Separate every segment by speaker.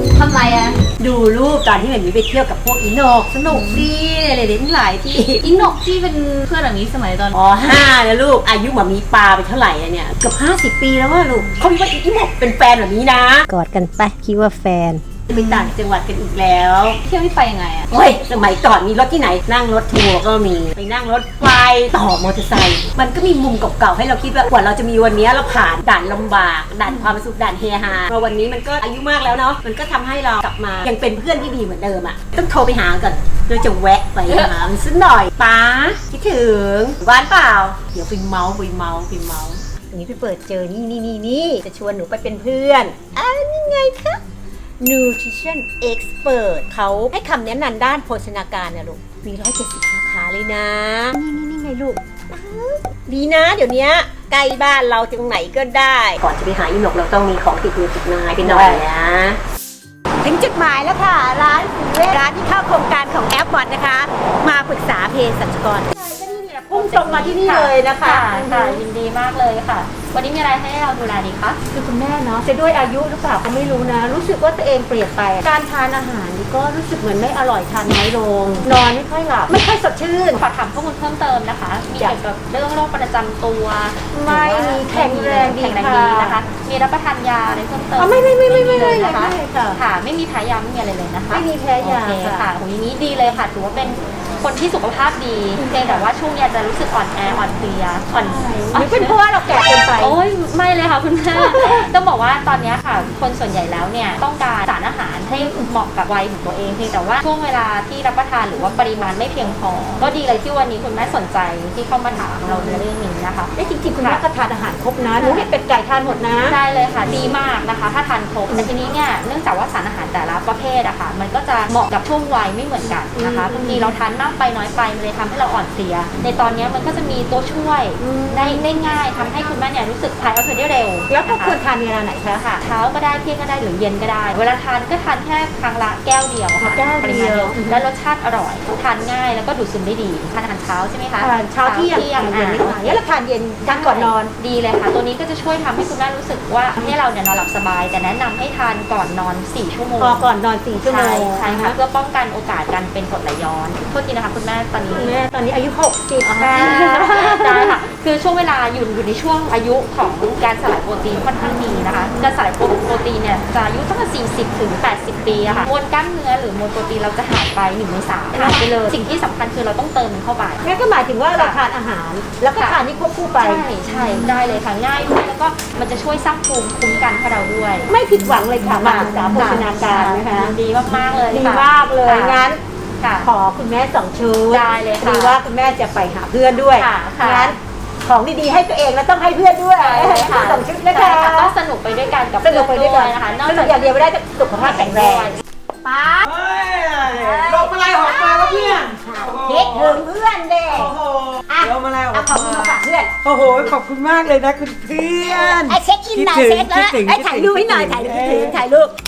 Speaker 1: ทำไรอะ
Speaker 2: ดูรูปตอนที่แบบนี้ไปเที่ยวกับพวกอีโนกสนุกดีอะไรๆทั้งหลายที่
Speaker 1: อินนกที่เป็นเพื่อนแบบนี้สมัยตอน
Speaker 2: 5นะลูกอายุแบบมีปลาไปเท่าไหร่แล้วเนี่ยเกือบ50 ปีแล้วว่าลูกเขาคิดว่าอีโนกเป็นแฟนแบบนี้นะกอดกันไปคิดว่าแฟนไปต่างจังหวัดกันอีกแล้ว
Speaker 1: เที่ยวไม่ไปยังไงอะ
Speaker 2: เฮ้ยสมัยก่อนมีรถที่ไหนนั่งรถทัวร์ก็มีไปนั่งรถไฟต่อมอเตอร์ไซค์มันก็มีมุมเก่าๆให้เราคิดว่ากว่าเราจะมีวันนี้เราผ่านด่านลำบากด่านความสุขด่านเฮฮามาวันนี้มันก็อายุมากแล้วเนาะมันก็ทำให้เรากลับมายังเป็นเพื่อนที่ดีเหมือนเดิมอ่ะต้องโทรไปหาก่อนเราจะแวะไปหามันสักหน่อยป้าคิดถึงบ้านเปล่าเดี๋ยวไปเมาอย่างนี้ไปเปิดเจอนี่จะชวนหนูไปเป็นเพื่อนนี่ไงคะ Nutrition Expert เขาให้คำแนะนำด้านโภชนาการนะลูกมี170 สาขาเลยนะนี่ไงลูกดีนะเดี๋ยวนี้ใกล้บ้านเราตรงไหนก็ได้ก่อนจะไปหาอีหนกเราต้องมีของติดมือติดนายไปหน่อยนะถึงจุดหมายแล้วค่ะร้านที่เข้าโครงการของแอปบอทนะคะมาปรึกษาเภสัชกรพุ่งตรงมาที่นี่เลยนะคะ
Speaker 1: ค่ะยินดีมากเลยค่ะวันนี้มีอะไรให้เราดูแลดีคะ
Speaker 2: คือคุณแม่เนาะจะด้วยอายุหรือเปล่าก็ไม่รู้นะรู้สึกว่าตัวเองเปลี่ยนไปการทานอาหารนี่ก็รู้สึกเหมือนไม่อร่อยทานน้อยลงนอนไม่ค่อยหลับไม่ค่อยสดชื่น
Speaker 1: ขอถามข้อมูลเพิ่มเติมนะคะมีเกี่ยวกับเรื่องโรคประจำตัว
Speaker 2: ไม่มีแข็งแรงดี
Speaker 1: นะคะมีรับประทานยาอะไรเพิ่มเติม
Speaker 2: ไม่เลยนะคะ
Speaker 1: ค่ะไม่มีแพ้ยาไม่มีอะไรเลยนะคะ
Speaker 2: ไม่มีแพ้ยา
Speaker 1: ค่ะโหอย่างนี้ดีเลยค่ะถือว่าเป็นคนที่สุขภาพดีเพียงแต่ว่าช่วงนี้จะรู้สึกอ่อนแออ่อนเพลีย
Speaker 2: หรือเป็นเพราะว่าเราแก่เกินไป
Speaker 1: โอ้ยไม่เลยค่ะคุณแม่ต้องบอกว่าตอนนี้ค่ะคนส่วนใหญ่แล้วเนี่ยต้องการสารอาหารให้เหมาะกับวัยของตัวเองเพียงแต่ว่าช่วงเวลาที่รับประทานหรือว่าปริมาณไม่เพียงพอก็ดีเลยที่วันนี้คุณแม่สนใจที่เข้ามาถามเราในเรื่องนี้นะคะ
Speaker 2: จริงๆคุณแม่ก็ทานอาหารครบนะหนูเห็นเป็ดไก่ทานหมดนะ
Speaker 1: ได้เลยค่ะดีมากนะคะถ้าทานครบแต่ทีนี้เนี่ยเนื่องจากว่าสารอาหารแต่ละประเภทอะค่ะมันก็จะเหมาะกับช่วงวัยไม่เหมือนกันนะคะบางทีเราทานมากไปน้อยไปมันเลยทำให้เราอ่อนเพลียในตอนนี้มันก็จะมีตัวช่วยได้ง่ายทำให้คุณแม่เนี่ยรู้สึกถ่ายเอาเธอได้เร็ว
Speaker 2: แล้วก็ควรทานเวลาไหนคะ
Speaker 1: ค่ะเช้าก็ได้เที่ยงก็ได้หรือเย็นก็ได้เวลาทานก็ทานแค่ครั้งละแก้วเดียวค่ะปริมาณเดียวและรสชาติอร่อยทานง่ายแล้วก็ดูดซึมได้ดีทานอาหารเช้าใช่ไหมคะ
Speaker 2: ทานเช้าเที่ยงเย็นไม่ทานแล้วทานเย็นทานก่อนนอน
Speaker 1: ดีเลยค่ะตัวนี้ก็จะช่วยทำให้คุณแม่รู้สึกว่าให้เราเนี่ยนอนหลับสบายแต่แนะนำให้ทานก่อนนอน4 ชั่วโมง
Speaker 2: ก่อนนอน4 ชั่วโมง
Speaker 1: ใช่ค่ะเพื่อป้องกันโอกาสการเป็นกรดไหลย้อนโทษทีนะคะคุณแม่ตอน
Speaker 2: นี้อายุ60
Speaker 1: ได้ค่ะคือช่วงเวลาอยู่ในช่วงอายุของการสลายโปรตีนค่อนข้างดีนะคะการสลายโปรตีนเนี่ยจะอายุตั้งแต่40 ถึง 80 ปีอะค่ะมวลกล้ามเนื้อหรือมวลโปรตีนเราจะหายไป1 ใน 3หายไปเลยสิ่งที่สำคัญคือเราต้องเติมเข้าไป
Speaker 2: นั่นก็หมายถึงว่าเราทานอาหารแล้วก็ทานนี่ควบคู่ไป
Speaker 1: ใช่ได้เลยค่ะง่ายด้วยแล้วก็มันจะช่วยสร้างภูมิคุ้มกันให้เราด้วย
Speaker 2: ไม่ผิดหวังเลยค่ะมาศึกษาโภชนาการนะคะ
Speaker 1: ดีมากๆเลย
Speaker 2: ดีมากเลยงั้นขอคุณแม่2 ชุด
Speaker 1: ได้เลยค่ะ
Speaker 2: ดีว่าคุณแม่จะไปหาเพื่อนด้วยงั้นของดีๆให้ตัวเองแล้วต้องให้เพื่อนด้วย2 ชุดนะคะ
Speaker 1: ก็สนุกไปด้วยกันกับ
Speaker 2: สนุกไปด้วยกัน
Speaker 1: นะคะ
Speaker 2: สนุกอย่างเดียวไม่ได้สุขภาพแข็งแรงป๊า
Speaker 3: ลงอะไรหอมมาแล้วเพื่อน
Speaker 2: คิดถึงเพื่อนเด็ก
Speaker 3: ลงอะไรหอม
Speaker 2: ขอบคุณมาฝากเพื่อน
Speaker 3: โอ้โหขอบคุณมากเลยนะคุณเพื่อน
Speaker 2: เช็คอินหน่อยเช็คแล้วถ่ายรูปให้หน่อยถ่ายรูป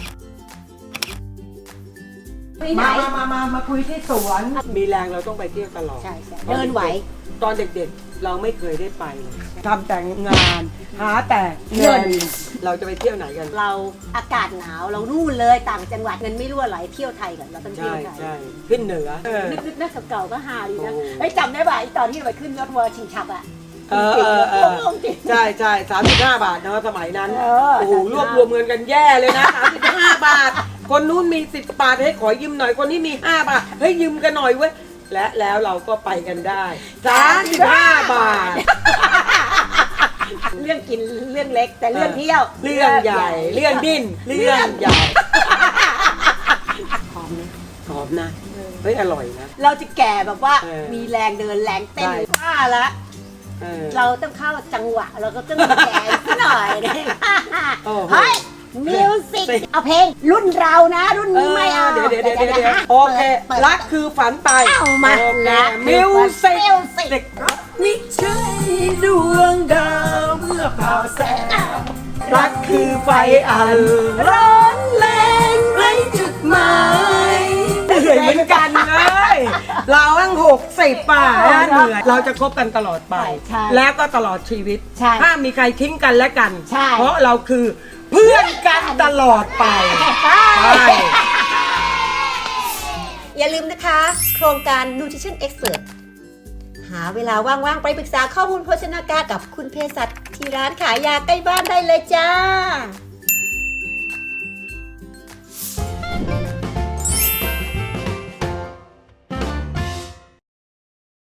Speaker 3: มาคุยที่สวนมีแรงเราต้องไปเที่ยวตลอด
Speaker 2: ใช่เดินไหว
Speaker 3: ตอนเด็กๆเราไม่เคยได้ไปเลยทำแต่งานหาแต่เงินเราจะไปเที่ยวไหนกัน
Speaker 2: เราอากาศหนาวเรานู่นเลยต่างจังหวัดเงินไม่รั่วไหลเที่ยวไทยกันเราต้องเที่ยวไทย
Speaker 3: ใช่ขึ้นเหนือ
Speaker 2: นึกนักเก่าก็ฮาดีนะจำได้ป่ะตอนที่ไปขึ้นรถเวอร์ชิงชับอ่ะ
Speaker 3: ใช่35 บาทนะสมัยนั้นโอ้โหรวบรวมเงินกันแย่เลยนะ35 บาทคนนู้นมี10 บาทให้ขอยืมหน่อยคนนี้มี5 บาทเฮ้ยยืมกันหน่อยเว้ยและแล้วเราก็ไปกันได้35 บาท
Speaker 2: เรื่องกินเรื่องเล็กแต่เรื่องเที่ยว
Speaker 3: เรื่องใหญ่เรื่องดิ้นเรื่องใหญ่หอมนะเฮ้ยอร่อยนะ
Speaker 2: เราจะแก่แบบว่ามีแรงเดินแรงเต้นว่าละเราต้องเข้าจังหวะเราก็ต้องแก่หน่อยนะเฮ้ยมิวสิกเอาเพลงรุ่นเรานะรุ่นนี้ไม่เอา
Speaker 3: เดี๋ยวโอเครักคือฝันไป
Speaker 2: เอามา
Speaker 3: มิวสิกไม่ใช่ดวงดาวเมื่อเผาแสงรักคือไฟอันร้อนแรงไร้จุดหมายเหนื่อยเหมือนกันเลยเราตั้ง60 ป่ะเหนื่อยเราจะคบกันตลอดไปแล้วก็ตลอดชีวิตถ้ามีใครทิ้งกันและกันเพราะเราคือเพื่อนกันตลอดไป
Speaker 2: อย่าลืมนะคะ โครงการ Nutrition Expert หาเวลาว่างๆ ไปปรึกษาข้อมูลโภชนาการกับคุณเภสัชที่ร้านขายยาใกล้บ้านได้เลยจ้า